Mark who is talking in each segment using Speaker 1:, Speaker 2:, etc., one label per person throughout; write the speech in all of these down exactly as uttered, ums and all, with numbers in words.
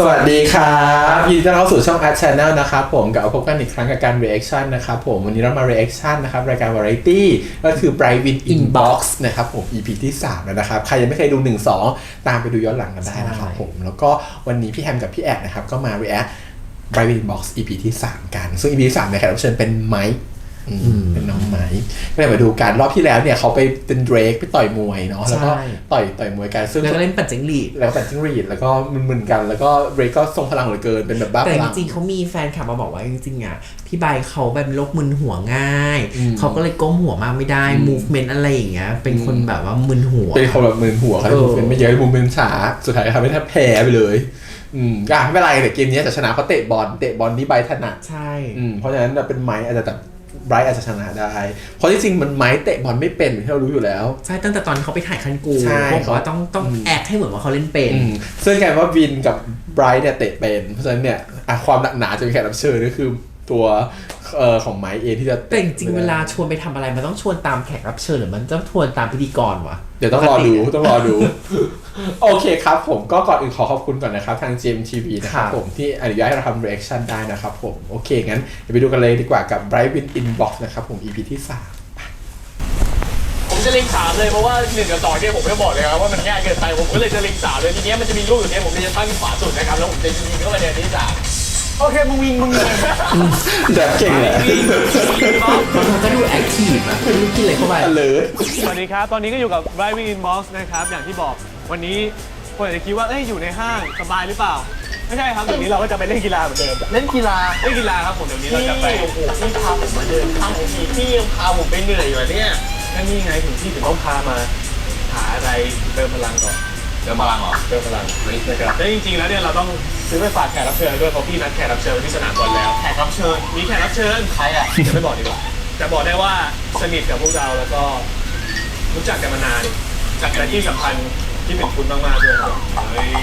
Speaker 1: สวัสดีครับยินดีต้อนรับเข้าสู่ช่อง Art Channel นะครับผมกับพบกันอีกครั้งกับการ reaction นะครับผมวันนี้เรามา reaction นะครับรายการ variety ก็คือ Bright Win Inbox นะครับผม อี พี ที่สามแล้วนะครับใครยังไม่เคยดูหนึ่ง สองตามไปดูย้อนหลังกันได้นะครับผมแล้วก็วันนี้พี่แฮมกับพี่แอดนะครับก็มา react Bright Win Inbox อี พี ที่สามกันซึ่ง อี พี ที่สามในแขกรับเชิญเป็นไมค์เป็นน้องไม้ก็เลยมาดูกันรอบที่แล้วเนี่ยเขาไปเป็นเดรกไปต่อยมวยเนาะแล้วก็ต่อยต่อยมวยกันซึ่ง
Speaker 2: แล้วก็เล่นปั่นจิ้งหรีด
Speaker 1: แล้วก็ปั่นจิ้งหรีดแล้วก็มึนๆกันแล้วก็เดรกก็ทรงพลังเหลือเกินเป็นแบบบ้าพลัง
Speaker 2: แต่จริงๆเขามีแฟนคลับมาบอกว่าจริงๆอ่ะพี่ใบเขาแบบโรคมึนหัวง่ายเขาก็เลยก้มหัวมากไม่ได้ movement อะไรอย่างเงี้ยเป็นคนแบบว่ามึนหัว
Speaker 1: เป็นคนแบบมึนหัวเขาเลย movement ไม่เยอะ movement ช้าสุดท้ายทำให้แทบแพ้ไปเลยอืมก็ไม่เป็นไรแต่เกมนี้จะชนะเพราะเตะบอลเตะบอลที่ใบถนัด
Speaker 2: ใช่
Speaker 1: อืมเพราะฉะนั้นเป็นไม้อาจจะแบบไบรท์อาจจะชนะได้เพราะที่จริงมันไม้เตะบอลไม่เป็นที่เรารู้อยู่แล้ว
Speaker 2: ใช่ตั้งแต่ตอนเขาไปถ่ายคันกูเขาบอกว่าต้องต้องแอคให้เหมือนว่าเขาเล่นเป็น
Speaker 1: ซึ่งกลายว่าวินกับไบรท์เนี่ยเตะเป็นเพราะฉะนั้นเนี่ยความหนักหนาจะมีแขกรับเชิญก็คือตัวเอ่อของไม้เองที่จะ
Speaker 2: แต่จริงเวลาชวนไปทำอะไรมันต้องชวนตามแขกรับเชิญหรือมันต้องชวนตามพิธีกรวะ
Speaker 1: เดี๋ยวต้องรอดูต้องรอดูโอเคครับผมก็ก่อนอื่นขอขอบคุณก่อนนะครับทาง จี เอ็ม ที วี นะครับผมที่อนุญาตให้เราทำ reaction ได้นะครับผมโอเคงั้นเดี๋ยวไปดูกันเลยดีกว่ากับ Bright Win Inbox นะครับผม อี พี ที่สาม
Speaker 3: ผมจะลิงก์สามเลยเพราะว่าหนึ่งกับสองเนี่ยผมไม่บอกเลยครับว่ามันง่ายเกินไปผมก็เลยจะลิงก์สามเลยทีนี้มันจะมีรูปอยู่เนี่ยผมจะตั้งขวาสุดนะครับแล้วผมจะยิงเข้าไปในที่สามโอเคมึงวิ่งมึงเลย
Speaker 1: แบบเก่งเลย
Speaker 2: มันก็ดูแอคทีฟอะไม่รู้กินอะไรเข้าไป
Speaker 1: เลย
Speaker 3: สวัสดีครับตอนนี้ก็อยู่กับ Bright Win Inbox นะครับอย่างที่บอกวันนี้คนอาจจะคิดว่าเอ้ยอยู่ในห้างสบายหรือเปล่าไม่ใช่ครับเดี๋ยวนี้เราก็จะไปเล่นกีฬาเหมือนเดิม
Speaker 4: เล่นกีฬา
Speaker 3: เล่นกีฬาครับผมเดี๋ยวนี้เราจะไป
Speaker 4: โอ้โหพี่พาผมมาเดินข้างผมอีกพี่ยังพาผมไปเหนื่อยอยู่เนี่ย
Speaker 3: นั่นนี่ไงถึงที่ถึงต้องพามาหาอะไรเติมพลังก่อน
Speaker 4: เติมพลังเหรอ
Speaker 3: เติมพลังนะครับแต่จริงๆแล้วเนี่ยเราต้องซื้อไปฝากแขกรับเชิญด้วยเพราะพี่นัดแขกรับเชิญที่สนามบอลแล้ว
Speaker 4: แขกรับเชิญ
Speaker 3: มีแขกรับเชิญ
Speaker 4: ใครอ่ะ
Speaker 3: จะไม่บอกดีกว่าแต่บอกได้ว่าสนิทกับพวกเราแล้วก็รู้จักกันมานานจากการที่สัมพันธ์ที่เป็นคุณมากๆด้วยครับเฮ้ย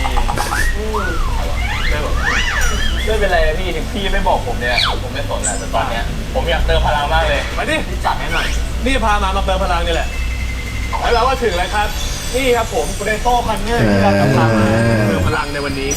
Speaker 3: ไม่บอก
Speaker 4: ไม่เป็นไรพี่ถึงพี่ไม่บอกผมเนี่ยผมไม่สนแหละแต่ตอนเนี้ยผมอยากเติมพลังมากเลย
Speaker 3: มาดิ
Speaker 4: จัดให้หน่อย
Speaker 3: นี่พามามาเติมพลังนี่แหละแล้วเราก็ถึงแล้วครับนี่ครับผมเรโต้คันเนอร์ที่เรากำลังเติมพลังในวันนี้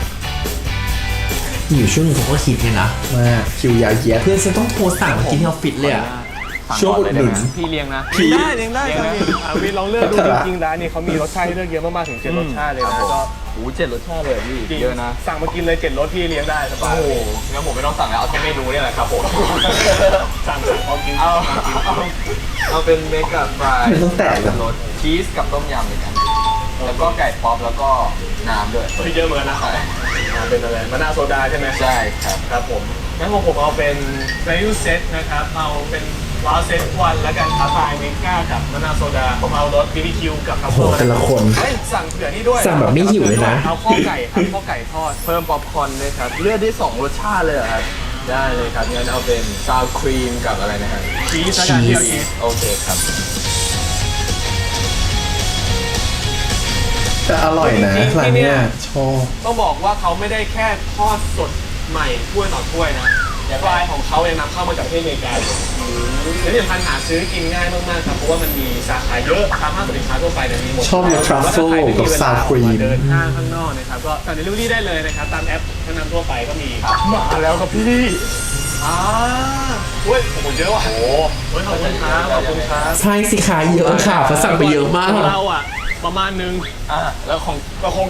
Speaker 2: อยู่ช่วงนึงผมก็คิดเลยนะ
Speaker 1: ว่าคิวยาวเยียด
Speaker 2: เพื่อนฉันต้องโทรสั่งมากินที่ออฟฟิศเลยอะ
Speaker 1: ช่วงอุดหนุน
Speaker 4: พี่เลี้ยงนะ
Speaker 3: เลี้ยงได้เลี้ยงได้ครับพี่ลองเลือกดูจริงๆร้านนี้เขามีรสชาติให้เลือกเยอะมากๆถึงเจ็ดรสชาติเลยนะก็
Speaker 4: โอ้เจ็ดรสชาติเลยพี่เยอะนะ
Speaker 3: สั่งมากินเลยเจ็ดรสพี่เลี้ยงได้สบาย
Speaker 4: โอ้งั้นผมไม่ต้องสั่งแล้วเอาแค่เมนูนี่แหละครับผม
Speaker 3: สั่งสั่งเอากิน
Speaker 4: เอาเอาเป็นเมกะฟราย
Speaker 1: ต้องแตก
Speaker 4: รสชีสกับต้มยำเลยกันแล้วก็ไก่ป๊อปแล้วก็น้ำด้วย
Speaker 3: เยอะเหมือนกันนะเป็นอะไรมะนาวโซดาใช่ไหม
Speaker 4: ใช่ครับ
Speaker 3: ครับผมงั้นผมผมเอาเป็นเ a ล u เซตนะครับเอาเป็นว้าวเซตวันแล้วกันคาไฟเมก้ากับมะนาวโซดาผมเอารสบีบีคิวกับทัฟเฟิล
Speaker 1: แต่ละคน
Speaker 3: สั่งเผื่อนี่ด้วย
Speaker 2: สั่งแบบไม่หิวเลยนะ
Speaker 3: เอาข้อไก่ครับข้อไก่ทอด
Speaker 4: เพิ่มป๊อปคอร์นด้วยครับเลือกได้สองรสชาติเลยครับได้เลยครับงั้นเอาเป็นซาวครีมกับอะไรนะครับ
Speaker 3: ชีสแล้วกันที่เอาชีส
Speaker 4: โอเคครับ
Speaker 1: แต่อร่อยนะร้านนี้ชอบ
Speaker 3: ต้องบอกว่าเขาไม่ได้แค่ทอดสดใหม่ถ้วยต่อถ้วยนะฟรายของเขาเองนำเข้ามาจากประเทศอเมริกาและที่สำคัญหาซื้อกินง่ายมากๆครับเพราะว่ามันมีสาขาเยอะตามห้างสรรพสินค้าทั่วไปเนี่ยมีหมด
Speaker 1: ชอบทรัฟเฟิลกับซาวครีม
Speaker 3: เดินห้างข้างนอกนะครับก็สั่งเดลิเวอรี่ได้เลยนะครับตามแอปชั้นนำทั่วไปก็มีมาแล้วครับพี่อ่าเฮ้ยโอ้โหเยอะว่ะโอ้โหขอบคุณครับขอบคุณครับ
Speaker 2: ใช่สิขาเยอะค่ะเพราะสั่งไปเยอะมาก
Speaker 3: เราอ่ะประมาณนึง
Speaker 4: อ่าแล้วของ
Speaker 3: ก็คง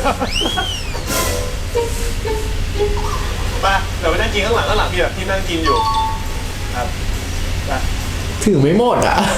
Speaker 3: ไปเดี๋ยวไปนั่งกินข้างหลังข้างหลังพี่แบบที่นั่งกินอยู่ครับ
Speaker 2: ถือไม่หมดอ่ะ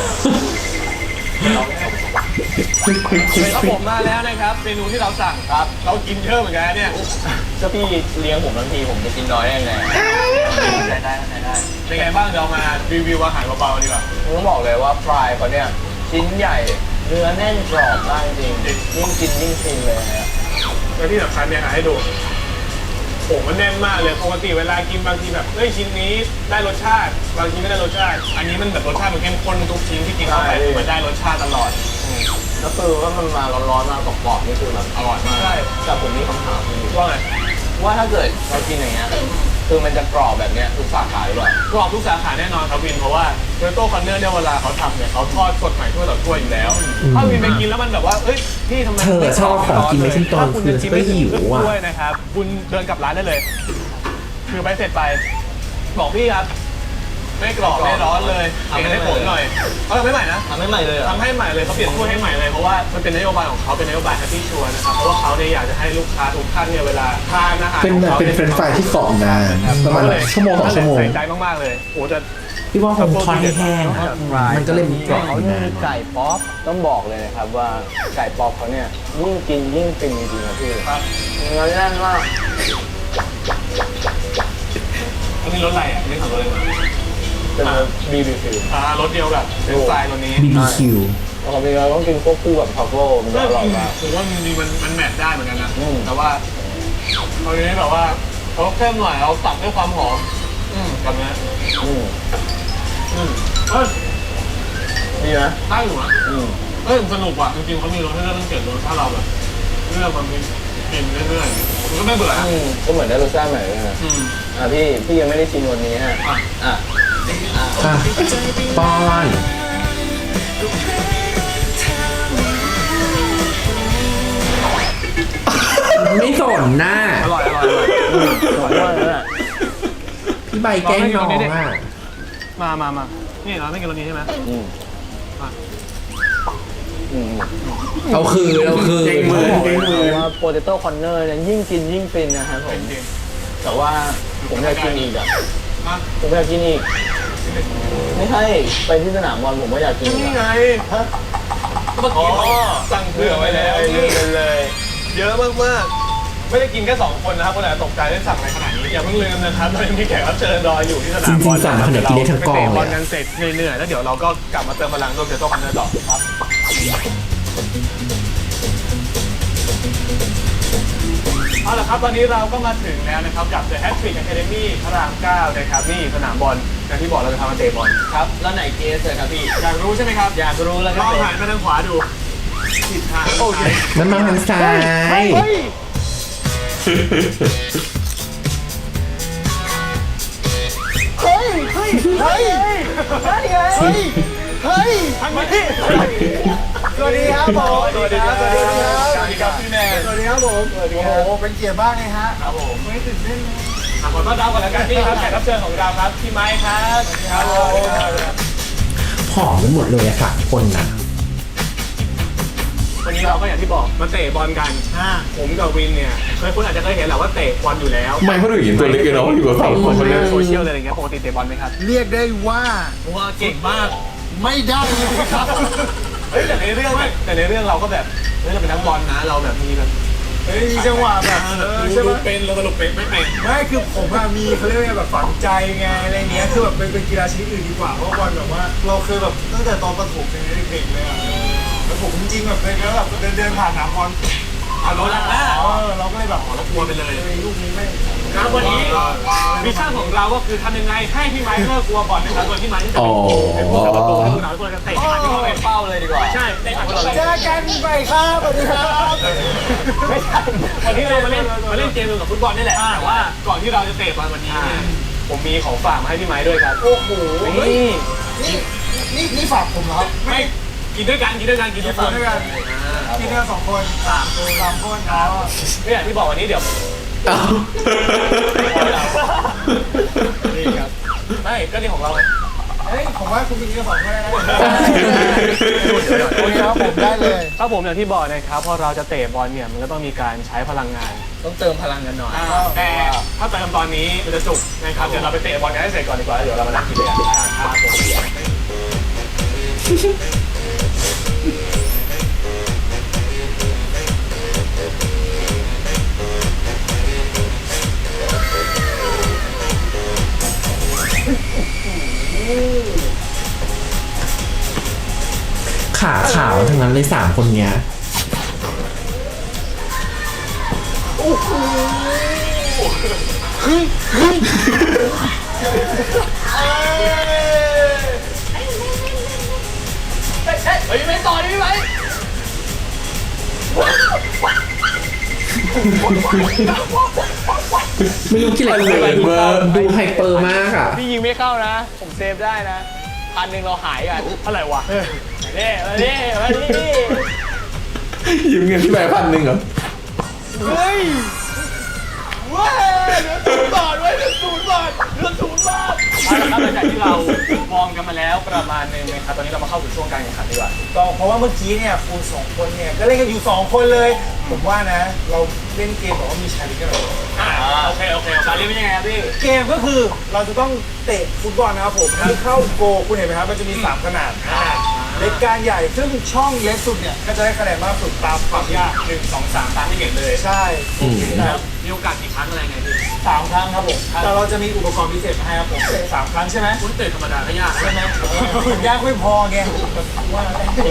Speaker 3: ครับผมมาแล้วนะครับเมนูที่เราสั่งครับเรากินเยอะเหมือนกันเนี่ย
Speaker 4: ก็พี่เลี้ยงผมบางทีผมจะกินน้อยได้ไงได้ได้ได้
Speaker 3: เป็นไงบ้างเดี๋ยวมารีวิวอาหารเบาๆดีกว่า
Speaker 4: ผมต้องบอกเลยว่าฟรายเขาเนี่ยชิ้นใหญ่เนื้อแน่นกรอบมากจริงยิ่งกินยิ่งฟินเลยนะ
Speaker 3: แล้วที่สำคัญเนี่ยให้ดูโอ้มันแน่นมากเลยปกติเวลากินบางทีแบบเฮ้ยชิ้นนี้ได้รสชาติบางทีไม่ได้รสชาติอันนี้มันแบบรสชาติมันเข้มข้นทุกชิ้นที่กินเข้าไปมันได้รสชาติตลอด
Speaker 4: แล้วคือว่ามันมาร้อนๆมากรอบๆนี่คือแบบ
Speaker 3: อร่อยมาก
Speaker 4: ใช่แต่ผมมีคำถามคือ
Speaker 3: ว่าไง
Speaker 4: ว่าถ้าเกิดเรากินอย่างเงี้ยคือมันจะกรอบแบบเนี้ยทุกสาขาหรือเปล่าก
Speaker 3: รอบทุกสาขาแน่นอนครับวินเพราะว่าโรโต้คอนเนอร์เนี่ยเวลาเขาทำเนี่ยเขาทอดสดใหม่ถ้วยต่อถ้วยอยู่แล้ว ถ้าวินไปกินแล้วมันแบบว่าเอ้ยพี่ทำไม
Speaker 2: เธอชอบของกินไม่ขึ้นตอนคืนก็หิวอ่ะ
Speaker 3: ด้วยนะครับคุณเดินกลับร้านได้เลยคือไปเสร็จไปบอกพี่ครับไม่กรอบไม่ร้อนเลยเปลี่ยนให้ผมหน่อยเขาทำให้ใหม่นะ
Speaker 4: ทำให้ใหม่เลยเหรอ
Speaker 3: ทำให้ใหม่เลยเขาเปลี่ยนถ้วยให้ใหม่เลยเพราะว่ามันเป็นนโยบายของเขาเป็นนโยบายแฮปปี้ชัวร์นะครับเพราะว่าเขาเนี่ยอยากจะให้ลูกค้าทุกท่านเนี่ยเวลาทานอาหาร
Speaker 1: เป็น
Speaker 3: ของขา
Speaker 1: เป็นเฟรนช์ฟรายที่กรอบนานประมาณชั่วโมงสองชั่วโมง
Speaker 3: ใส่ใจมากๆเลยโอ้แต่
Speaker 2: พี่ว่าคงทอดให้แห้งอะมันก็เลยมีกรอบ
Speaker 4: เขา
Speaker 2: อยู่
Speaker 4: มี
Speaker 2: นาน
Speaker 4: ไก่ป๊อปต้องบอกเลยนะครับว่าไก่ป๊อปเขาเนี่ยยิ่งกินยิ่งฟินจริงๆนะพี่
Speaker 3: ครับ
Speaker 4: เนื้อแน่นมาก
Speaker 3: อันนี้รสอะไรอ่ะอันนี้ของรสอะไรมา
Speaker 4: เป็นบีบีฟิล
Speaker 3: อ่ารสเดียวกับเป็นสไตล์ตัวนี้
Speaker 2: บี บี คิว
Speaker 4: ปกติเราต้องกินควบคู่กับทรัฟเฟิลมันจะอร่อยมาก
Speaker 3: ผมว่ามันมีมันมันแมทได้เหมือนกันนะ
Speaker 4: อืม
Speaker 3: แต่ว่าตอนนี้แบบว่าเขาเข้มหน่อยเราตัดด้วยความหอมอืมกับเนี้ย
Speaker 4: อืม
Speaker 3: อืมเอ้ย
Speaker 4: ดีนะ
Speaker 3: ได้อยู่นะ
Speaker 4: อืม
Speaker 3: เอ้ยสนุกว่ะจริงๆเขามีรสให้เลือกตั้งเจ็ดรสถ้าเราแบบเลือกมันมีกินเรื่อยๆมันก็ไม่เบื่อนะ
Speaker 4: อืมก็เหมือนได้รสชาติใหม่เลยนะ
Speaker 3: อืม
Speaker 4: อ่ะพี่พี่ยังไม่ได้ชิมวันนี้ฮะ
Speaker 3: อ่ะ
Speaker 4: อ่ะอ่ะ
Speaker 2: อ่ะป้อนไม่สนหน้า
Speaker 3: อร่อยอร่อยอร่อย
Speaker 4: ขอโทษนะ
Speaker 2: พี่ใบแกล้งน้องอ่ะ
Speaker 3: มามามานี่เราไม่กินรสนี้ใช่ไหม
Speaker 4: อืม
Speaker 3: อ่ะ
Speaker 4: อืม
Speaker 2: เอาคืนเอาคืน
Speaker 3: เก่งมือ
Speaker 4: บอกเลยนะว่าโปเตโต้คอนเนอร์เนี่ยยิ่งกินยิ่งฟินนะครับผม
Speaker 3: จริง
Speaker 4: แต่ว่าผมอยากกินอีกอ่ะ
Speaker 3: ๆมา
Speaker 4: ผมอยากกินอีก ไม่ให้ไปที่สนามบอลผมก็อยากกินอีก
Speaker 3: นี่ไง
Speaker 4: อะฮะ
Speaker 3: เมื่อกี้สั่งเผื่อไว้แล้ว
Speaker 4: ลืมไปเลย
Speaker 3: เยอะมากๆ ไม่ได้กินแค่สองคนนะครับคนอาจจะตกใจได้สั่งอะไรขนาดนี้อย่าเพิ่งลืมนะครับเรายังมีแขกรับเชิญรออยู่ที่สนามบอล
Speaker 2: จริงๆสั่งมาขนาดกินได้ทั้งกองเลยอะ
Speaker 3: ไปเตะบอลกันเสร็จเหนื่อยๆแล้วเดี๋ยวเราก็กลับมาเติมพลังร่วมเจอโต้คอนเนอร์ต่อครับเอาละครับตอนนี้เราก็มาถึงแล้วนะครับกับ The Hat-Trick Academy พระรามเก้านะครับนี่สนามบอลอย่างที่บอกเราจะทำมาเตะบอล
Speaker 4: ครับ แล้วไหนเกสเลยครับพี่
Speaker 3: อยากรู้ใช่ไหมครับ
Speaker 4: อยากรู้แล้วค
Speaker 3: ล
Speaker 4: รับ
Speaker 3: องหันไปทางขวาดูผิดทางโอเค
Speaker 2: มันมาทางซ้าย
Speaker 4: เฮ้ย เฮ้ย เฮ้ยนั่นไงเฮ้ย เฮ้ย
Speaker 3: ทางนี้
Speaker 4: สวัสดีครับผม
Speaker 3: สวัสดีครับ
Speaker 4: สวัสดีครับ
Speaker 3: สวัสดีครับพี่แมน
Speaker 4: สวัสดีครับผมสวัสดีครับโอ้โหเป็นเกียรติมากเลยฮะ
Speaker 3: ครับผมไม่ตื่นเต้นเลยอ่ะขอต้อนรับก่อนแล้วกันพี่ครับแขกรับเชิญของเราครับพี่ไม้ครับครับผม
Speaker 2: ผอมไปหมดเลยอะค่ะคนน่ะ
Speaker 3: วันนี้เราก็อย่างที่บอกมาเตะบอลกันผมกับวินเนี่ยเคยคุณอาจจะเคยเห็นแหละว่าเตะบอลอยู่แล้ว
Speaker 1: ไม่เพราะหนูเห็นตัวเล็กเลยเนาะอยู่กับสองคน
Speaker 3: คน
Speaker 1: เล
Speaker 3: เล่
Speaker 1: ย
Speaker 3: นโซเชียลอะไรอย่างเงี้ยปกติเตะบอลไหมครับ
Speaker 5: เรียกได้ว่า
Speaker 3: ว่าเก่งมาก
Speaker 5: ไม่ได้เลยครับ
Speaker 3: เฮ้ยแต่ในเรื่องแต่ในเรื่องเราก็แบบเฮ้ยเราเป็นนักบอลนะเราแบบมีแบบ
Speaker 5: เฮ้ยมีจังหวะแบบเออใช่
Speaker 3: ดู
Speaker 5: ปะ
Speaker 3: เป็นเราสรุปเป็นไม่เป็น
Speaker 5: ไม่คือผมอะมีเขาเรียกว่าไงแบบฝังใจไงอะไรเงี้ยคือแบบเป็นเป็นกีฬาชนิดอื่นดีกว่าเพราะว่าบอลแบบว่า เราเคยแบบตั้งแต่ตอนประถมเป็นเด็กๆเลยอะแล้วผมจริงๆแบบเคยแบบเดินเดินผ่านสนามบอล
Speaker 3: เอารถลักหน้า
Speaker 5: เออเราก็เลยแบบ
Speaker 3: เรากลัวไปเลย
Speaker 5: เฮ้ยลูกนี้ไม่
Speaker 3: ครับวันนี้มิชชั่นของเราก็คือทำยังไงให้พี่ไม้เลิกกลัวบอลนะครับโดยพี่ไม้ที่จะเป็นผู้เป็นผู้กับประตูให้พวกเราทุกคนจะเตะผ่านที่เขา
Speaker 4: เป็
Speaker 3: เป็น น
Speaker 4: เป้าเลยดีกว่า
Speaker 3: ใช่เตะผ่านพวกเราเลย
Speaker 5: เจอกันไปครับสวัสดีครับ
Speaker 3: ไม่ใช่วันนี้เรามาเล่นมาเล่นเกมเกี่ยวกับฟุตบอลนี่แหละแต่ว่าก่อนที่เราจะเตะบอลวันนี้เนี่ยผมมีของฝากมาให้พี่ไม้ด้วยครับ
Speaker 5: โอ้โห
Speaker 3: นี่
Speaker 5: นี่นี่นี่ฝากผมเหรอครับ
Speaker 3: ไม่กินด้วยกันกินด้วยกันกินทุกค
Speaker 5: กิน
Speaker 3: น
Speaker 5: ด้วยกันกินด้วยกันสองคนสามคนสามคนครับ
Speaker 3: ก็อย่างที่บอกวันนี้เดี๋ยว
Speaker 1: เอ้า
Speaker 3: นี่ครับไม่ก็นี่ของเรา
Speaker 5: เฮ้ยผมว่าคุณกินกันสองคนได้นะโอเคครับผมได้เลย
Speaker 3: ถ้าผมอย่างที่บอกนะครับพอเราจะเตะบอลเนี่ยมันก็ต้องมีการใช้พลังงาน
Speaker 4: ต้องเติมพลังกันหน่อย
Speaker 3: แต่ถ้าเติมตอนนี้มันจะจุกนะครับเดี๋ยวเราไปเตะบอลกันให้เสร็จก่อนดีกว่าแล้วเดี๋ยวเรามานั่งกินด้วยกันครับผม
Speaker 2: ขาขาวทั้งนั้นเลยสามคนเนี้ย
Speaker 3: เฮ้ยไม่ต่อดิพี่ไหม
Speaker 2: ไม่รู้กี่อะไร
Speaker 1: เลย
Speaker 2: ดู
Speaker 1: เบอร์
Speaker 2: ดูไฮเปอร์มากอ่ะ
Speaker 4: พี่ยิงไม่เข้านะ ผมเซฟได้นะพันหนึ่งเราหายกัน
Speaker 3: เท่าไหร่วะ
Speaker 4: นี่มาดิมาดิ
Speaker 1: ยืมเงินพี่ใบพันหนึ่งเหรอ
Speaker 4: เฮ้ยเว้ยเหลือศูนย์บาทเว้ยเหลือศูนย์บาทเหลือศูนย์บาทเอาละครับหลังจากที่เรามองกันมาแล้วประมาณหนึงนะครับตอนนี้เรามาเข้าสู่ช่วงการแข่งขันดีกว่า
Speaker 5: ก็เพราะว่าเมื่อกี้เนี่ยคุณสองคนเนี่ยก็เล่นกันอยู่สองคนเลย ผมว่านะ เราเล่นเกมแบบว่ามีชาเลนจ์กันเลย
Speaker 3: อ่าโอเคโอเคชาลีเป็นยังไงครับพี่
Speaker 5: เกมก็คือเราจะต้องเตะฟุตบอลนะครับผมที่เข้าโกลคุณเห็นไหมครับมันจะมีสามขนาดเล็กกลางใหญ่ซึ่งช่องเล็กสุดเนี่ยก็จะได้คะแนนมากสุดตามความยาก
Speaker 3: หนึ่งสองสามตามที่เห็นเลย
Speaker 5: ใช่
Speaker 3: แล้วมีโอกาสกี่ครั้งอะไรไงพี่
Speaker 5: สามครั้งครับผมแต่เราจะมีอุปกรณ์พิเศษมาให้ครับผมเตะสามครั้งใช่ไหม
Speaker 3: คุณเตะธรรมดาก็ยากนะ
Speaker 5: ใช่ไหมยากไม่พอไงว่า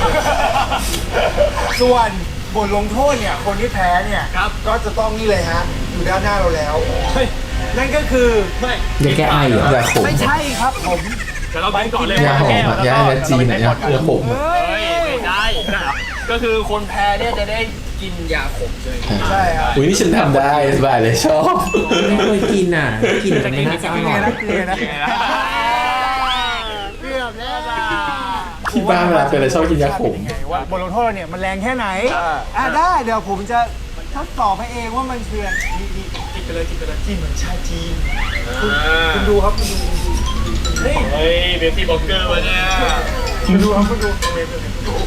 Speaker 5: ส่วนบทลงโทษเนี่ยคนที่แพ้เนี่ยก็จะต้องนี่เลยฮะอยู่ด้านหน้าเราแล้วนั่นก็คือ
Speaker 3: ไม่
Speaker 2: อย่าแก้ไอเหรอ
Speaker 1: ยาขม
Speaker 5: ไม่ใช่ครับผม
Speaker 3: เดี๋ยวเราไปก่อนเลย
Speaker 1: ยาหอมอะยาแอลเลอร์จีน่ะยายาขม
Speaker 3: เฮ้ยไม่ได้ได้เหรอ
Speaker 4: ก็คือคนแพ้เนี่ยจะได้กินยาขมใช่ไหม
Speaker 5: ใช่ครับ
Speaker 1: อุ้ยนี่ฉันทำได้สบายเลยชอบ
Speaker 2: ไม่เคยกินอ่ะกินแต่ไม่น่าจะอร่อย
Speaker 5: เกลือนะ
Speaker 3: ยังไงนะ
Speaker 5: เกือบแล้วล่ะ
Speaker 1: ที่บ้านเวลาเป็นอะไรชอบกินยาขม
Speaker 5: ว่าบทลงโทษเราเนี่ยมันแรงแค่ไหนอ่าได้เดี๋ยวผมจะทดสอบให้เองว่ามันคือนี่นี่
Speaker 3: กินไปเลยกินไปเลย
Speaker 5: กินเหมือนชาจีนคุณดูครับคุณดูเฮ้ย
Speaker 3: เฮ้ยเบสตี้บ็อกเกอร์วะเนี่ย
Speaker 5: คุณดูครับคุณดูเวฟเลย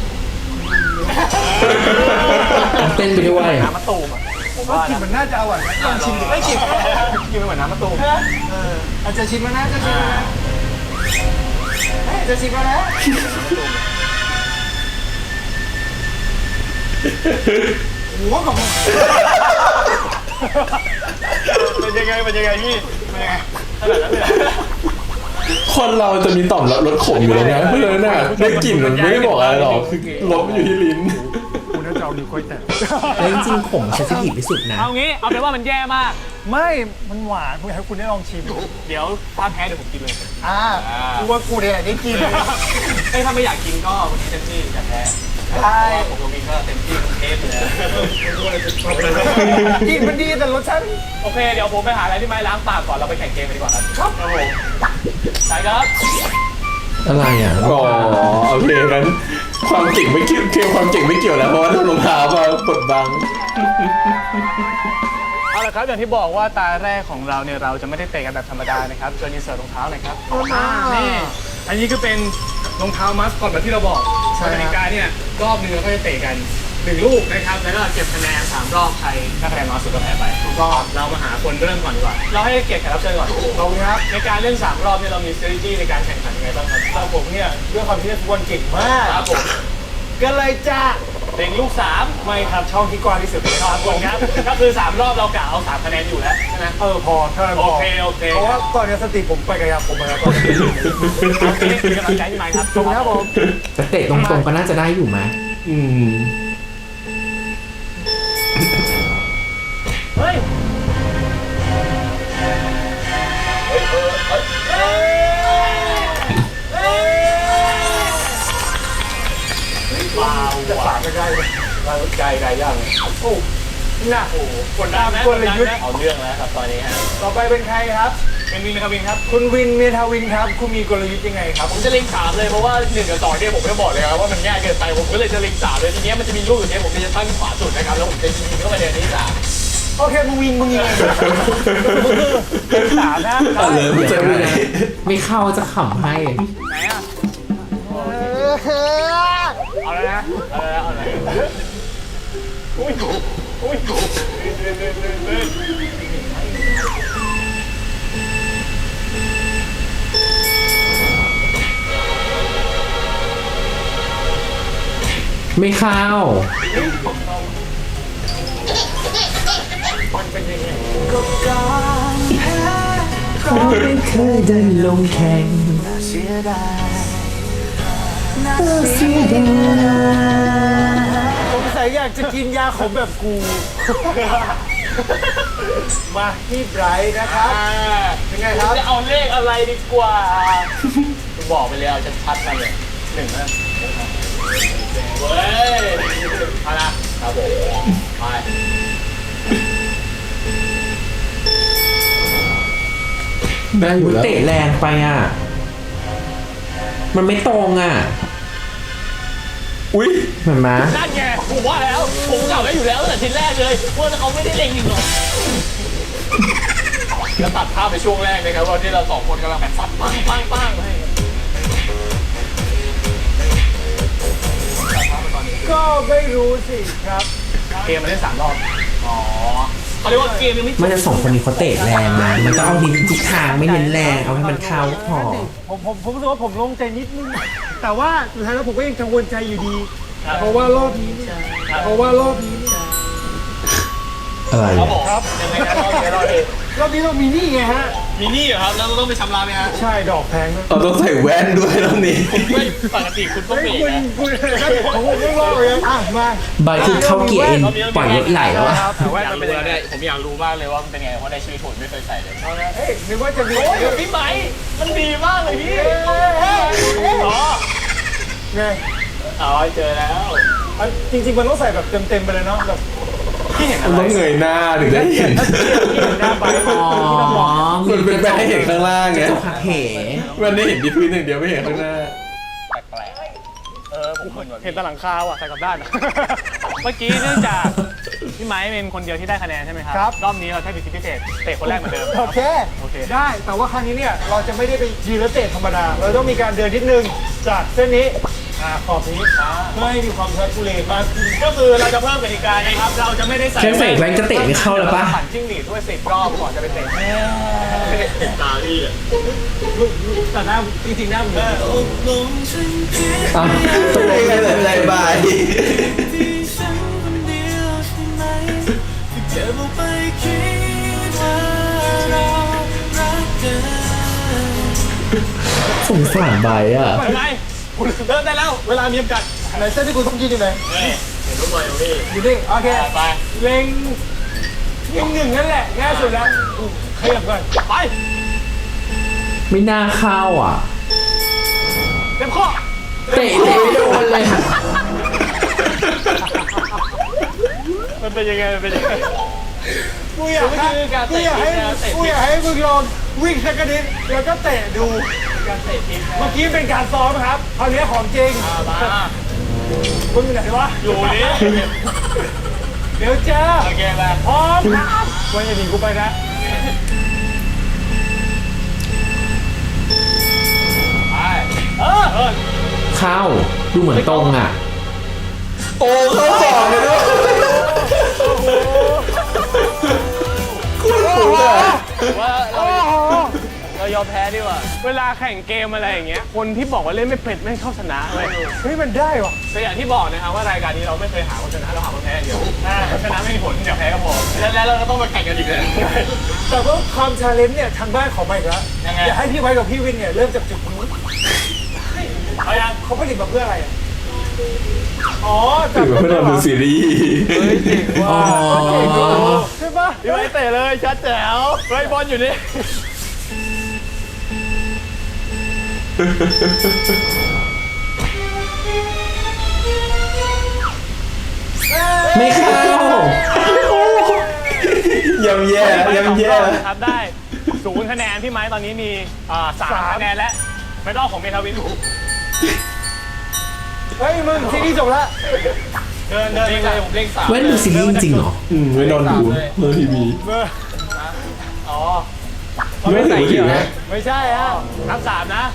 Speaker 2: เต้นไปด้วย
Speaker 3: น้ำมะตูมอ่ะผม
Speaker 5: ว่า
Speaker 3: ว่า
Speaker 5: กิน
Speaker 3: นะ
Speaker 5: มันน่าจะอร่อยนะลองชิมดูไม่กิน
Speaker 3: กินเหมือนน้ำมะตูม
Speaker 5: เอออาจจะชิมแล้วนะจะชิมแล้วนะเฮ้ยจะชิมแล้วนะหัวของ
Speaker 3: เป็นยังไงเป็นยังไงพี่เป็นยังไงขนาดนั้นเลย
Speaker 1: คนเราจะมีต่อมรับรสขมอยู่แล้วนะเพราะฉะนั้นน่ะได้กลิ่นมันไม่ได้บอกอะไรหรอกคือรสมันอยู่ที่ลิ้น
Speaker 5: คุณน่าจะเอานิ้วก้อยแตะ
Speaker 2: แล้วจริงๆผมเซนซิทีฟที่สุดนะ
Speaker 3: เอางี้เอาเป็นว่ามันแย่มาก
Speaker 5: ไม่มันหวานผมอยากให้คุณได้ลองชิม
Speaker 3: เดี๋ยวถ้าแพ้เดี๋ยวผมกินเลย
Speaker 5: อ่ากูว่ากูเนี่ยได้กิน
Speaker 3: เอ้ยถ้าไม่อยากกินก็วันนี้เต็มที่อยากแพ้
Speaker 5: ใช่
Speaker 3: ผมกับวินก็เต็มที่ทั้งเทปเลย
Speaker 5: กินมันดีแต่รสชาติ
Speaker 3: โอเคเดี๋ยวผมไปหาอะไรที่ไม้ล้างปากก่อนเราไปแข่งเกมกันดีกว่าครับครับผมใช่ครับ
Speaker 2: อะไรอ่ะ
Speaker 1: อ๋อโอเคงั้นความเก่งไม่เกี่ยวเกี่ยวความเก่งไม่เกี่ยวแล้วเพราะว่าทำรองเท้ามากดบัง
Speaker 3: เอาละครับอย่างที่บอกว่าตาแรกของเราเนี่ยเราจะไม่ได้เตะกันแบบธรรมดานะครับเชิญอินเสิร์ตรองเท้าหน่อยครับนี่อันนี้ก็เป็นรองเท้ามัสก่อนแบบที่เราบอกกติกาเนี่ยรอบหนึงเราก็จะเตะกันหนึ่งลูกนะครับแล้วก็เก็บคะแนนสามรอบใครถ้าคะแนนน้อยสุดก็แพ้ไป
Speaker 5: ก็
Speaker 3: เรามาหาคนเริ่มก่อนดีกว่าเราให้เกียรติแขกรับเชิญก่อน
Speaker 5: ขอบคุณครับ
Speaker 3: ในการเล่นสามรอบเนี่ยเรามี strategy ในการแข่งขันยังไงบ้างครับ
Speaker 5: แต่ผมเนี่ยด้วยความที่เล่นฟุตบอลเก่งมาก
Speaker 3: ครับผม
Speaker 5: ก็เลยจะ
Speaker 3: เด็กลูกสาม
Speaker 5: ไม่ครับช่องที่กว้างที่สุดเลย
Speaker 3: ค
Speaker 5: ค
Speaker 3: รั
Speaker 5: รั
Speaker 3: บบ ผมครับก็คือสามรอบเรากะเอาสามคะแนนอยู่แล้วใช่ไหม
Speaker 5: เออพอเท่านั้นพ
Speaker 3: โอ
Speaker 5: อ
Speaker 3: เคโอเค
Speaker 5: เพราะว่าตอนนี้สติผมไปกับยาผมมาแล้วตอนนี้
Speaker 3: โอเคเป็นกำลังใจให้ไหมครับ
Speaker 5: ขอบคุณครับผม
Speaker 2: แต่เตะตรงๆก็น่าจะได้อยู่ไหม
Speaker 1: อืม
Speaker 3: เฮ้ยว้าว
Speaker 5: จะฝากไม่ได้เลย
Speaker 3: ไกลไกลย่าง
Speaker 5: โอ้หนัก
Speaker 3: โอ้โหกดดันนะ
Speaker 5: กลยุทธ์
Speaker 3: เอาเรื่องแล้วครับตอนนี้ฮะ
Speaker 5: ต่อไปเป็นใครครับ
Speaker 3: เป็นวินนะครับวินครับ
Speaker 5: คุณวินเมทาวินครับ คุณมีกลยุทธ์ยังไงครับ
Speaker 3: ผมจะเล็งสามเลยเพราะว่าหนึ่งกับสองเนี่ยผมไม่บอกเลยครับว่ามันง่ายเกินไปผมก็เลยจะเล็งสามเลยทีเนี้ยมันจะมีลูกอยู่เนี่ยผมจะตั้งขวาสุดนะครับแล้วผมจะยิงเข้าไปในนี้สาม
Speaker 5: โอเคมึงวินมึงยิงเลยสามนะ
Speaker 1: เอาเลยไม่เจอไม่ได้
Speaker 2: ไม่เข้าจะขำให้
Speaker 3: ไหนอ่ะเอาแล้วนะเอาแล้วเอาแล้วอุ้ยอุ้ย
Speaker 2: ไม่เข้า เขาไม่เคยได้ลงแข่งเสียดาย
Speaker 5: สงสัยอยากจะกินยาขมแบบกู มาที่ไบรท์นะครับเป็นไงครับ
Speaker 3: จะเอาเลขอะไรดีกว่าคุณบอกไปแล้วชัดๆกันเลยหนึ่งนะเว้ยเอาละครับผมไป
Speaker 1: ได้อยู่แล้ว
Speaker 2: เตะแรงไปอ่ะ มันไม่ตรงอ่ะ
Speaker 1: อุ้ย
Speaker 2: เห็นไหม
Speaker 4: นั่นไงผมว่าแล้วผมกล่าวไว้อยู่แล้วตั้งแต่ทีแรกเลยว่าเขาไม่ได้เล็งยิงหรอกแล้วตัดภาพไปช่วงแรกนะครับว่าที่เราสองคนกำลังแบบฟัดปังปังปังให้
Speaker 5: ก็ไม่รู้สิครับ
Speaker 4: เกมมันเล่นสามรอบอ๋อเขาเรียกว่าเกมยังไม่จบ
Speaker 2: มันจะสองคนนี้เขาเตะแรงนะ มันต้องเอานิ้นทิศทางไม่เน้นแรง เอาให้มันเข้าพอ
Speaker 5: ผมผมผมรู้สึกว่าผมโล่งใจนิดนึง แต่ว่าสุดท้ายแล้วผมก็ยังกังวลใจอยู่ดี เพราะว่ารอบนี้เนี่ยเพราะว่ารอบนี้เนี่ย
Speaker 1: อะไร
Speaker 4: ครับผมครับยังไงนะรอบนี้รอบนี้
Speaker 5: รอบนี้เรามีหนี่ไงฮะ
Speaker 4: มีหนี่เหรอครับแล้วเราต้องไปชำระไหมฮะ
Speaker 5: ใช่ดอกแพงนะ
Speaker 1: เราต้องใส่แว่นด้วยตรงนี้
Speaker 4: ไม่ปกติคุณต้อง
Speaker 5: เฮ้ย
Speaker 4: มี
Speaker 5: คุณ
Speaker 4: นะ
Speaker 5: คุณผมผมไม่รอดเลยนะอ่ะมา
Speaker 2: ใบคือเข้าเกียร์เอ็นปล่อยรถไหลแล้วอะ
Speaker 4: แต่ว่ามันเป็นยังไงผมอยากรู้มากเลยว่ามันเป็นไงเพราะในชีวิตผมไม่เคยใส่เลย
Speaker 5: เฮ้ยนึกว่าจะมี
Speaker 4: โอ้ยพี่ไหมมันดีมากเลยพี่อ๋อ
Speaker 5: ไง
Speaker 4: อ๋อเจอแล้ว
Speaker 5: อันจริงๆมันต้องใส่แบบเต็มๆไปเลยเนาะแบบ
Speaker 4: พี่เห็น
Speaker 1: มั
Speaker 4: อะ
Speaker 1: น
Speaker 4: ไร
Speaker 1: ต้องเงยหน้าถึงได้เห็น
Speaker 5: ที่เห็นหน้าไป
Speaker 2: อ๋อ
Speaker 1: มันเป็นไปให้เห็นข้างล่างไง
Speaker 2: จกหักเห
Speaker 1: มันได้เห็นที่พื้นอย่างเดียวไม่เห็นข้างหน้า
Speaker 4: แปลกๆเออผมเห็นแต่หลังคาว่ะใส่กลับด้าน เมื่อกี้เนื่องจากพี่ไม้เป็นคนเดียวที่ได้คะแนนใช่ไหมครับรอบนี้เราใช้สิทธิพิเศษเตะคนแรกเหมือนเดิม
Speaker 5: โอเค
Speaker 4: โอเค
Speaker 5: ได้แต่ว่าครั้งนี้เนี่ยเราจะไม่ได้ไปยืนแล้วเตะธรรมดา เราต้องมีการเดินนิดนึงจากเส้นนี้อ่าขอบนี้เพื่อให้มีความทุลักทุเลมากขึ้น
Speaker 4: ก็คือเราจะเพิ่มกติกานะครับ เราจะไม่ได้ใส่
Speaker 2: แค่ใส่แว่นก็เตะไม่เข้าแล้วปะ
Speaker 4: ปั่นจิ้งหรีดด้วยสิบรอบก่อนจะไปเตะไม่ได้เตะตาพี่อ่ะ
Speaker 5: แต่หน้าจริงๆหน้าเหมือน
Speaker 1: อ่ะต้องได้ไงแต่ไม่ได้บาย
Speaker 2: สงสารใบอ่ะ
Speaker 4: เป็นไงคุณเริ่มได้แล้ว เวลามีจำกัด
Speaker 5: ไหนเส้นที่คุณต้องยืนอยู่ไหน
Speaker 4: เฮ้ยเห็นรูปบอลอยู่พี่
Speaker 5: อยู่นี่โอเค
Speaker 4: ไป
Speaker 5: เล็งเล็งหนึ่งนั่นแหละง่ายสุดแล้วอู้ขยับก่อน
Speaker 4: ไป
Speaker 2: ไม่น่าเข้าอ่ะ
Speaker 4: เต็มข้อ
Speaker 2: เตะเตะไม่โดนเลยอะ
Speaker 4: มันเป็นยังไงมันเป็นยังไง
Speaker 5: กูอยากให้
Speaker 4: คือการ
Speaker 5: กู
Speaker 4: เตะ
Speaker 5: อยากให้
Speaker 4: ทีมนะเตะทีม
Speaker 5: กูอยากให้มึงลองวิ่งสักกระดิษแล้วก็เตะดู
Speaker 4: การเตะทีม
Speaker 5: เมื่อกี้เป็นการซ้อมครับคราวนี้ของจริง
Speaker 4: มา
Speaker 5: มึงอยู่ไหนวะ
Speaker 4: อยู่นี่
Speaker 5: เดี๋ยวเจอ
Speaker 4: โอเคมา
Speaker 5: พร้อมครับวันอย่าหนีกูไปนะ
Speaker 4: ไปเออเออ
Speaker 2: เข้า ดูเหมือนตรงอ่ะ
Speaker 1: โอ้เข้าสองเลยด้วยคุณคุณอ่ะ
Speaker 4: ว่าเราเรายอมแพ้ดีกว่า เวลาแข่งเกมอะไรอย่างเงี้ย คนที่บอกว่าเล่นไม่เป็นไม่เข้าชนะเลย
Speaker 5: เฮ้ยมันได้วะ
Speaker 4: แต่อย่างที่บอกนะครับว่ารายการนี้เราไม่เคยหาคนชนะเราหาคนแพ้อย่างเดียวชนะไม่มีผลเดี๋ยวแพ้ก็พอแล้วแล้วเราก็ต้องมาแข่งกันอีกเลย
Speaker 5: แต่ว่าความชาเลนจ์เนี่ยทางบ้านขอมาอีกแล้ว
Speaker 4: ยังไง
Speaker 5: อยากให้พี่ไว้กับพี่วินเนี่ยเริ่มจากจุดนู้น
Speaker 4: เอายัง
Speaker 5: เขาผลิตมาเพื่ออะไรอ่ะอ๋อ
Speaker 1: ถือว่าเพื่อนเราดูซีรีส์
Speaker 2: อ๋อ
Speaker 5: ใช่ปะ
Speaker 4: พี่ไว้เตะเลยชัดแจ๋วไว้บอลอยู่นี่
Speaker 2: ไม่เข้า
Speaker 1: ยำแย่ยำแย่
Speaker 4: ครับได้ศูนย์คะแนนพี่ไม้ตอนนี้มีอ่าสามคะแนนและไม่ต้องของเมทาวิน
Speaker 5: เฮ้ยมึงซีรีส์จบแล้ว
Speaker 4: เดินเดินไปเลยผมเล่งสาม
Speaker 2: แว่นดูซีรีส์จริงๆเหรอ
Speaker 1: อืมไม่นอนดูเมื่อทีวี
Speaker 4: อ๋อ
Speaker 1: ไม่ถือว่าถือนะ
Speaker 5: ไม่ใช่ฮะ
Speaker 4: นับสามนะ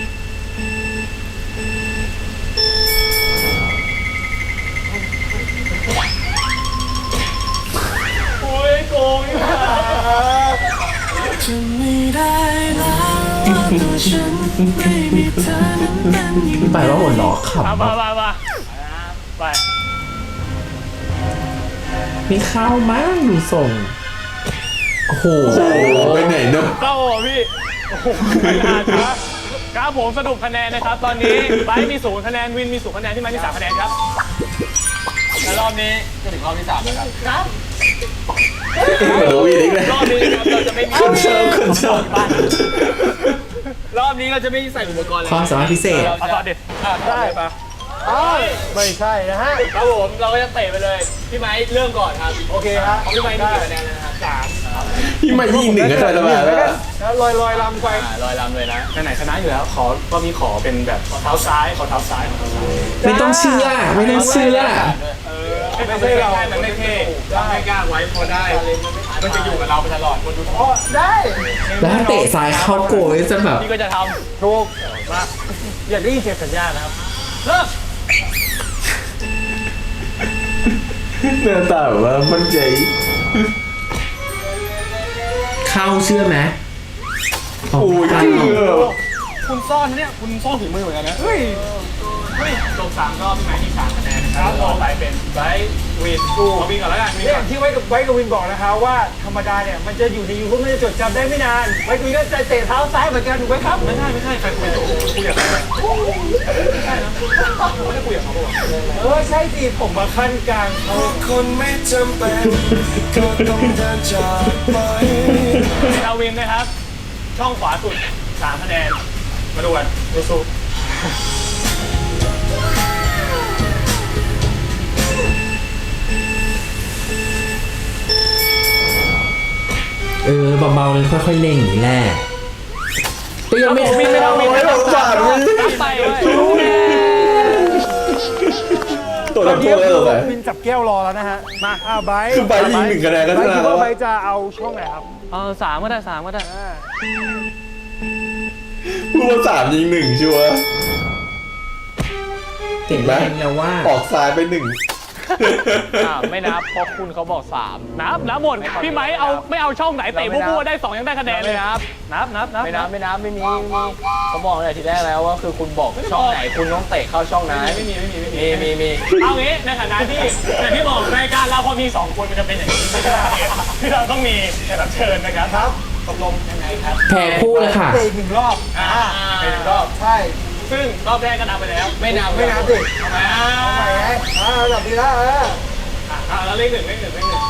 Speaker 4: โอ้ยโกงนี่หว่า
Speaker 6: จะไม่ได้แล้วตัวฉันไม่มีเธอนั้นเป็นอยู่
Speaker 2: พี่ไปว่าหัวล้อขับ
Speaker 4: เอามามามาไป
Speaker 2: ไม่เข้ามั้งดูทรง โอ้โห
Speaker 1: โอ้โหไปไหนเนอะ
Speaker 4: เข้าเหรอพี่โอ้โหไม่นานนะครับผมสรุปคะแนนนะครับ ตอนนี้ไบร์ทมีศูนย์คะแนนวินมีศูนย์คะแนนที่ไม้มีสามคะแนนครับและรอบนี้จะถึงรอบที่สามแล้วครับครับ
Speaker 1: โอ้ยอีกแล้ว
Speaker 4: รอบนี้นะครับเราจะไม่มี
Speaker 1: คนชอบคนชอบ
Speaker 4: บ้านรอบนี้เราจะไม่ใส่อุปกรณ์เลย
Speaker 2: ความสามารถพิเศษ
Speaker 4: เอาต่อเด็ดอ่ะได้ปะ
Speaker 5: อ้าวไม่ใช่นะฮะ
Speaker 4: ครับผมเราก็จะเตะไปเลยพี่ไม้เริ่มก่อนครับ
Speaker 5: โอเคฮะ
Speaker 4: ของพี่ไม้มีกี่คะแนนแล้วนะครับสาม
Speaker 1: พี่มายิงหนึ่งก็ได้แล้วมา
Speaker 5: แล้วลอยลอยลำไป
Speaker 3: อ่าลอยลำเลยนะไหนๆชนะอยู่แล้ว ขอก็มีขอเป็นแบบขอเท้าซ้าย ขอเท้าซ้ายขอเท้าซ้าย
Speaker 2: ไม่ต้องเชื่อไม่ต้องเชื่อ
Speaker 3: เออไม่ใช่เรามันไม่เท่ไม่กล้าไว้พอได้ มันจะอยู่กับเราไปตลอดคนดูท้อ
Speaker 5: ได้
Speaker 2: แล้วถ้าเตะซ้ายเข้าโกยจะแบบ
Speaker 3: พี่ก็จะทำถูกมาอยากได้ยินเสียงสัญญาณนะครับเริ่ม
Speaker 1: หน้าตาแบบว่ามันใจ
Speaker 2: เข้าเชื่อไหม
Speaker 1: โอ้ย
Speaker 2: เข้า
Speaker 1: เชื่อ
Speaker 3: คุณซ่อนนะเนี่ยคุณซ่อนถึงมือเหมือนกันนะเฮ้ยเฮ้ยจบสามรอบพี่ไม้ที่สามคะแนนนะครับต่อไปเป็นไบรท์วินกูเอาวินก่อนแล้วกันวิน
Speaker 5: เนี่
Speaker 3: ก่
Speaker 5: ย
Speaker 3: อน
Speaker 5: ที่ไว้กับไว้กับวินบอกนะคะว่าธรรมดาเนี่ยมันจะอยู่ในยูทูบมันจะจดจำได้ไม่นานไว้กับวินก็จะเตะเท้าซ้ายเหมือนกันถูกไหมครับ
Speaker 3: ไม่ใช่ไม่ใช่ใครคุยกับผมคุยกับใครไม่ใช่นะไม่ได้คุยกับเขาบอก
Speaker 5: เออใช่สิผมมาขั้นกลางเขา
Speaker 6: คนไม่จำเป็นก็ต้องเดินจากไป
Speaker 3: เป็นเอาวินนะครับ ช่องขวาสุดสามคะแนนมาดูกันสู้
Speaker 2: เออเบาๆเลยค่อยๆเล่งอย่างนี้แหละแต่ยังไม่
Speaker 3: วินไม่เอาวินไม่
Speaker 1: ส
Speaker 3: เอา
Speaker 1: งสารวิน
Speaker 3: ไปเลย
Speaker 1: ตัวทำโทษแล้วเหรอ
Speaker 5: วินจับแก้วรอแล้วนะฮะมาอ้าวไบร์ท
Speaker 1: คือใบยิงหนึ่งคะแนนก็ช
Speaker 5: ไบร์ท
Speaker 1: นะ
Speaker 5: คิด
Speaker 1: แล้ว
Speaker 5: ว่าไบ
Speaker 1: อะ
Speaker 5: ร์ทจะเอาช่องไหนครับ
Speaker 3: เออสามก็ได้สามก็ได้
Speaker 1: พูดว่าสามยิงหนึ่งชัวร์
Speaker 2: เก่งแล้วแล้วว่า
Speaker 1: ออกซ้ายไปหนึ่ง
Speaker 3: อ่าไม่นับเพราะคุณเขาบอกสามนับนับหมดพี่ไม้เอาไม่เอาช่องไหนเตะมั่วๆได้สองยังได้คะแนนเลยนับนับนับนับไม่นับไม่นับไม่มีมีเขาบอกเลยทีแรกแล้วว่าคือคุณบอกช่องไหนคุณต้องเตะเข้าช่องนั้นไม่มีไม่มีไม่มีมีมีเอางี้ในฐานะที่อย่างที่บอกรายการเราพอมีสองคนมันจะเป็นอย่างนี้ที่เราต้องมีแขกรับเชิญนะครับครับตกลงยังไงครับ
Speaker 2: แพ้คู่เลยค่ะ
Speaker 5: เตะอีกหนึ่งรอบ
Speaker 3: อ่าเป็นรอบ
Speaker 5: ใช่
Speaker 3: ซึ่งรอบแรกก็นับไปแล้ว ไม่นับ
Speaker 5: ไม่นับดิ
Speaker 3: ทำไมอ่า
Speaker 5: เอาใหม่ไงอ่าระดับดีแล้วเออ
Speaker 3: อ่าแล้วเลขหนึ่งเลขหนึ่งเลขหนึ่ง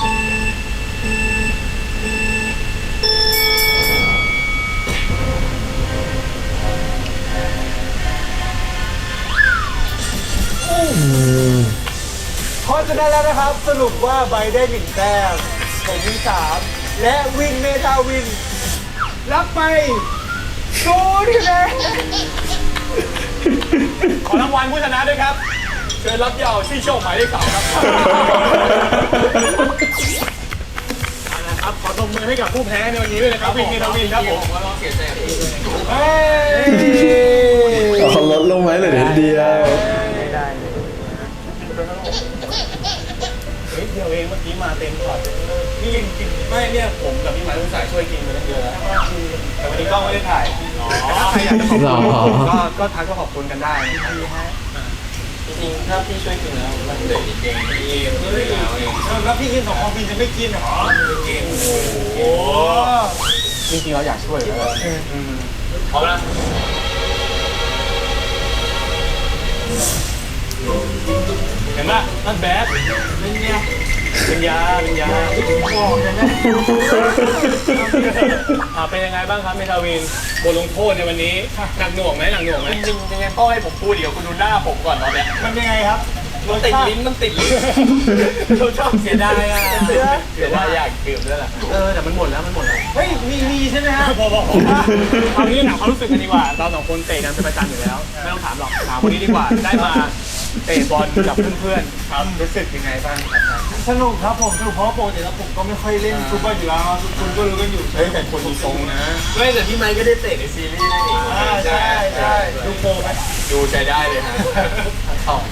Speaker 5: เพราะฉะนั้นแล้วนะครับสรุปว่าไบร์ทได้หนึ่งแต้มผมมีสามและวินเมทาวิน รับไปศูนย์คะแนน
Speaker 3: ขอรางวัลผู้ชนะด้วยครับ เชิญรับเหยาที่โชคหมายเลขสามครับเอาละครับ ขอตบมือให้กับผู้แพ้ในวันนี้ด้วยนะครับวินเมทาวินครับผมขอร้องเสียใจ
Speaker 5: เฮ้ย
Speaker 1: เอาเขาลดลงไหมเหลือนิดเดียว
Speaker 5: ไม่ได้เลย
Speaker 3: เฮ้ยเดียวเองเมื่อกี้มาเต็มพอร์ตนี่ยังกินไม่เนี่ยผมกับพี่หมายลูกสายช่วยกินมาตั้งเยอะแล้วแต่วันนี้กล้องไม่ได้ถ่ายอ๋อใครอยากจะขอบคุณก็ก็ทักก็ขอบคุณกันได้นะครับ
Speaker 7: จริงๆถ้าพี่ช่วยกินแล้วมันเหลือนิดเองพี่เฮ้ยแล้วเอง
Speaker 5: แล้วพี่กินสองของพี่จะไม่กินเหรอ
Speaker 7: เก่ง
Speaker 3: โอ้จริงๆเราอยากช่วยเลยพร้อมนะเห็นปะนั่นแบดเป็นไงเป็นยาเป็นยาบอกเลยนะอ่าเป็นยังไงบ้างครับเมทาวินบทลงโทษในวันนี้หนักหน่วงไหมหนักหน่วงไหมจริงๆยังไงต้องให้ผมพูดเดี๋ยวคุณดูหน้าผมก่อนตอนเนี้ย
Speaker 5: มันยังไงครับ
Speaker 3: มันติดลิ้นมันติดลิ้นเราชอบเสียดายอ่ะเสียดายอยากดื่มด้วยแหละเออแต่มันหมดแล้วมันหมดแล้ว
Speaker 5: เฮ้ยมีมีใช่ไหมฮะ
Speaker 3: พอพอพอเอางี้ถามความรู้สึกกันดีกว่าเราสองคนเตะกันเป็นประจำอยู่แล้วไม่ต้องถามหรอกถามคนนี้ดีกว่าได้มาเตะบอลกับเพื่อนๆครับรู้สึกยังไงบ้างครับ
Speaker 5: สนุกครับผมสนุกเพราะปกติแล้วผมก็ไม่ค่อยเล่นฟุตบอลอยู่แล้วทุกคนก็รู้กันอยู่
Speaker 3: เฮ้ยแต่คนมีทรงนะ
Speaker 7: ไม่แต่พี่ไมค์ก็ได้เตะในซีรีส์นี่
Speaker 5: อ่าใช่ใช่ดูโปรไหม
Speaker 7: ดูใช้ได้เลยฮะต่อ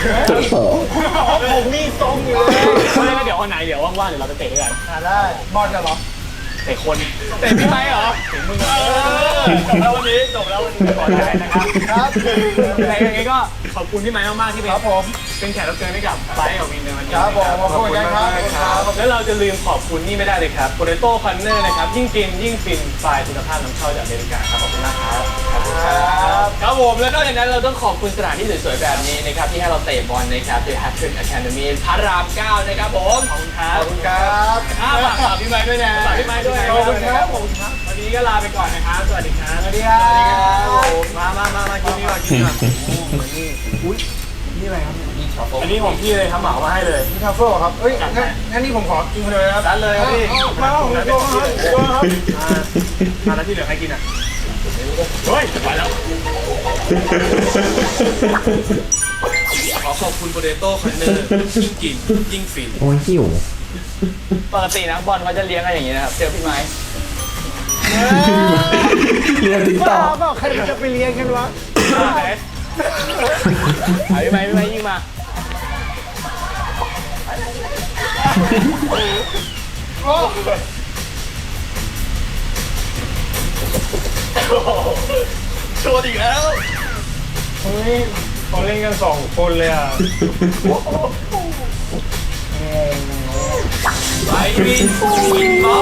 Speaker 5: ผมมีทรงอยู่เลย
Speaker 3: ไม่งั้นเดี๋ยววันไหนเดี๋ยวว่างๆเดี๋ยวเราไปเตะด้วยกัน
Speaker 5: อ่าได้บอลกันเหรอ
Speaker 3: เตะคนเตะพี่ไม้เหรอถึงมึงเออจบแล้ววันนี้จบแล้ววันนี้ก่อนได้นะครับ
Speaker 5: ครับ
Speaker 3: แต่ยังไงก็ขอบคุณพี่ไม้มากๆที่เป็น
Speaker 5: ครับผม
Speaker 3: เป็นแขกรับเชิญให้กับไบค์กับวินในวันนี้
Speaker 5: ครับผมขอบคุณครับ
Speaker 3: ครับ แล้วเราจะลืมขอบคุณนี่ไม่ได้เลยครับ Potato Corner นะครับ ยิ่งกินยิ่งฟินไฟล์คุณภาพน้ำเข้าจากอเมริกาครับ ขอบคุณมากครับ
Speaker 5: ครับ
Speaker 7: ครับผมแล้วนอกจากนั้นเราต้องขอบคุณสถานที่สวยๆแบบนี้นะครับที่ให้เราเตะบอลนะครับ The Hat-Trick Academy พระรามเก้านะครับผม
Speaker 3: ขอบคุณครับ
Speaker 5: ขอบคุณครับ
Speaker 3: อ่าฝากฝากพี่ไม้ด้วยนะฝากพี่ไม้ด้วย
Speaker 5: ขอบคุณครับขอบคุณครับ
Speaker 3: วันนี้ก็ลาไปก่อนนะครับ สวัสดีครับ
Speaker 5: สวัสดีครับ
Speaker 3: มามามามากินนี่ก่อนกินนี่ก่อน
Speaker 5: อุ้ยนี่อะไรครับ
Speaker 7: มีโช
Speaker 5: อันนี้ของพี่เลยทำเหมามาให้เลยนี่ทัฟเฟิลครับเอ้ยงั้นงั้นนี่ผมขอกินคนเดียวเลยครับ
Speaker 3: ดันเลยครับพี่
Speaker 5: มาเอาโยนครับโยนครับ
Speaker 3: มาแล้วที่เหลือใครกินอ่ะเฮ้ยไปแล้วขอขอบคุณโปเตโต้คอนเนอร์ยิ่งกินยิ่งฟิน
Speaker 2: โอ้ยหิว
Speaker 7: ปกตินักบอลเขาจะเลี้ยงกันอย่างนี้นะครับเจอพี่ไม้
Speaker 1: เรียนติ๊กต็อก
Speaker 5: เปล่าใครจะไปเลี้ยงกันวะ
Speaker 7: เอาพี่ไม้พี่ไม้ยิงมา
Speaker 3: โชว์อีกแล้ว
Speaker 5: เฮ้ยเขาเล่นกันสองคนเลยอ่ะ
Speaker 3: ไปวินวินบ๊อบ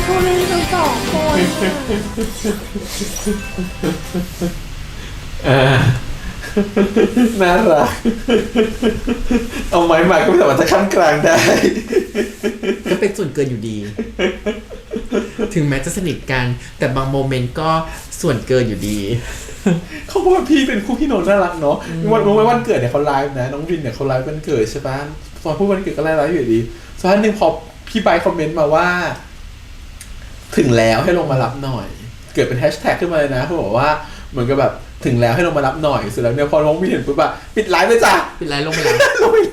Speaker 1: เออน่ารักเอาไม้มาก็ไม่สามารถจะขั้นกลางได้
Speaker 2: ก็เป็นส่วนเกินอยู่ดี ถึงแม้จะสนิทกัน แต่บางโมเมนต์ก็ส่วนเกินอยู่ดี
Speaker 1: เขาบอกว่าพี่เป็นคู่พี่โนนน่ารักเนาะวันรู้ไหมวันเกิดเนี่ยเขาไลฟ์นะน้องวินเนี่ยเขาไลฟ์วันเกิดใช่ปะตอนพูดวันเกิดก็ไลฟ์อยู่ดีสักพักหนึ่งพอพี่ไบค์คอมเมนต์มาว่า ถึงแล้วให้ลงมารับหน่อย เกิดเป็นแฮชแท็กขึ้นมาเลยนะเขาบอกว่าเหมือนกับแบบถึงแล้วให้ลงมารับหน่อยเสร็จแล้วเนี่ยพอน้องวินเห็นปุ๊บอะปิดไลฟ์เลยจ้ะ
Speaker 2: เป็นไรลงไปแล้ว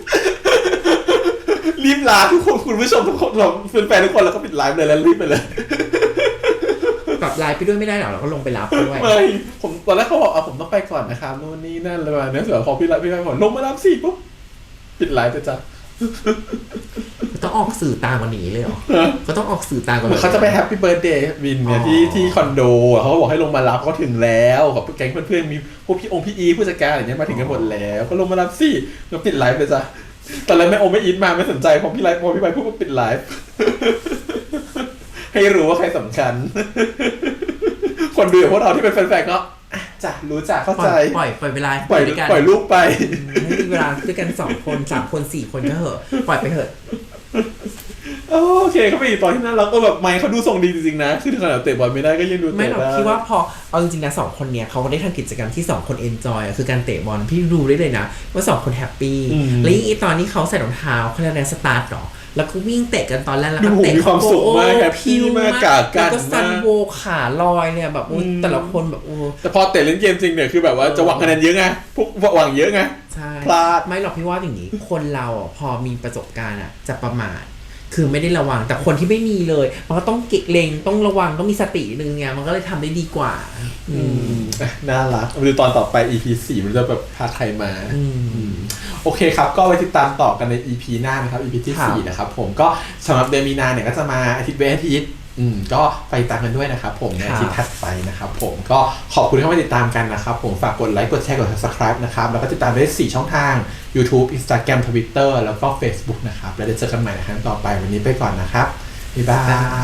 Speaker 1: รีบลาทุกคนคุณผู้ชมทุกคนเราเป็นแฟนทุกคนแล้วก็ปิดไลฟ์เลยแล้วรีบไปเลย
Speaker 2: ปรับไลน์ไปด้วยไม่ได้หรอเราก็ลงไปรับด้วย
Speaker 1: ไม่ผมตอนแรกเขาบอกอ่ะผมต้องไปก่อนนะครับนู่นนี่นั่นเลยมาเนี่ยเสือพอพี่ไลฟ์พี่ไลฟ์บอกลงมารับสิปุ๊บปิดไลฟ์ไปจ้ะ
Speaker 2: ต้องออกสื่อตามกว่านี้เลยเหรอก็ต้องออกสื่อตามกว่านี้
Speaker 1: เขาจะไปแฮปปี้เบิร์ดเดย์วินเนี่ยที่ที่คอนโดเขาก็บอกให้ลงมารับเขาถึงแล้วกับแก๊งเพื่อนๆมีพวกพี่องค์พี่อีผู้จัดการอะไรเงี้ยมาถึงกันหมดแล้วก็ลงมารับสิแล้วปิดไลฟ์ไปจ้ะตอนแรกไม่โอไม่อินมาไม่สนใจพอพี่ไลฟ์พอพี่ไลฟ์พูดว่าปิดไลฟ์ ให้รู้ว่าใครสำคัญ คนดูอย่างพวกเราที่เป็นแฟนๆก็อ่ะจ้ะรู้จักเข้า
Speaker 2: ปล่
Speaker 1: ใจ
Speaker 2: อยปล่อยปล่อยเวลา
Speaker 1: ปล่อย
Speaker 2: ด้วยกัน
Speaker 1: ปล่อยลูกไป
Speaker 2: ให้มีเวลาด้วยกันสองคนสามคนสี่คนก็เหอะปล่อยไปเถอะ
Speaker 1: โอเคเขาไปอีกตอนที่นั่นเราก็แบบไมค์เขาดูทรงดีจริงๆนะคือถึงขนาดเตะบอลไม่ได้ก็ยังดู
Speaker 2: ไม่
Speaker 1: เตะ
Speaker 2: หรอก
Speaker 1: ได้
Speaker 2: พี่ว่าพอเอาจริงๆนะสองคนเนี้ยเขาก็ได้ทำกิจกรรมที่สองคนเอนจอยคือการเตะบอลพี่ดูได้เลยนะว่าสองคนแฮปปี้และยิ่งตอนที่เขาใส่รองเท้าเขาเรียกอะไรสตาร์ทหรอแล้วก็วิ่งเตะกันตอนแรกแล้วก็เตะ
Speaker 1: มีความสุขมากแฮปปี้
Speaker 2: พิว
Speaker 1: มากกากั
Speaker 2: แล้ว
Speaker 1: น
Speaker 2: ก็ซั
Speaker 1: มาน ก
Speaker 2: โวขาลอยเนี่ยแบบอุ๊ยแต่ละคนแบบโอ้
Speaker 1: แต่พอเตะเล่นเกมจริงเนี่ยคือแบบว่าจะหวังคะแนนเยอะไงพวกหวังเยอะไง
Speaker 2: ใช่
Speaker 1: พลาด
Speaker 2: ไม่หรอกพี่ว่าอย่างนี้ คนเราอ่ะพอมีประสบการณ์อ่ะจะประมาทคือไม่ได้ระวังแต่คนที่ไม่มีเลยมันก็ต้องเก็งเลงต้องระวังต้องมีสตินึงเนี่ยมันก็เลยทำได้ดีกว่า อืม
Speaker 1: อ่ะน่ารักมาดูตอนต่อไป อี พี สี่มันจะแบบพาใครมา
Speaker 2: อืม
Speaker 1: อืมโอเคครับก็ไว้ติดตามต่อกันใน อี พี หน้านะครับ อี พี ที่
Speaker 2: ครับ
Speaker 1: สี่นะครับผมก็สำหรับเดือนมีนาเนี่ยก็จะมาอาทิตย์เว้นอาทิตย์อืมก็ไปตามกันด้วยนะครับผมในอาทิตย์ถัดไปนะครับผมก็ขอบคุณที่เข้ามาติดตามกันนะครับผมฝากกดไลค์กดแชร์กด Subscribe นะครับแล้วก็ติดตามได้สี่ช่องทาง YouTube Instagram Twitter แล้วก็ Facebook นะครับแล้วเดี๋ยวเจอกันใหม่ในครั้งต่อไปวันนี้ไปก่อนนะครับบ๊ายบาย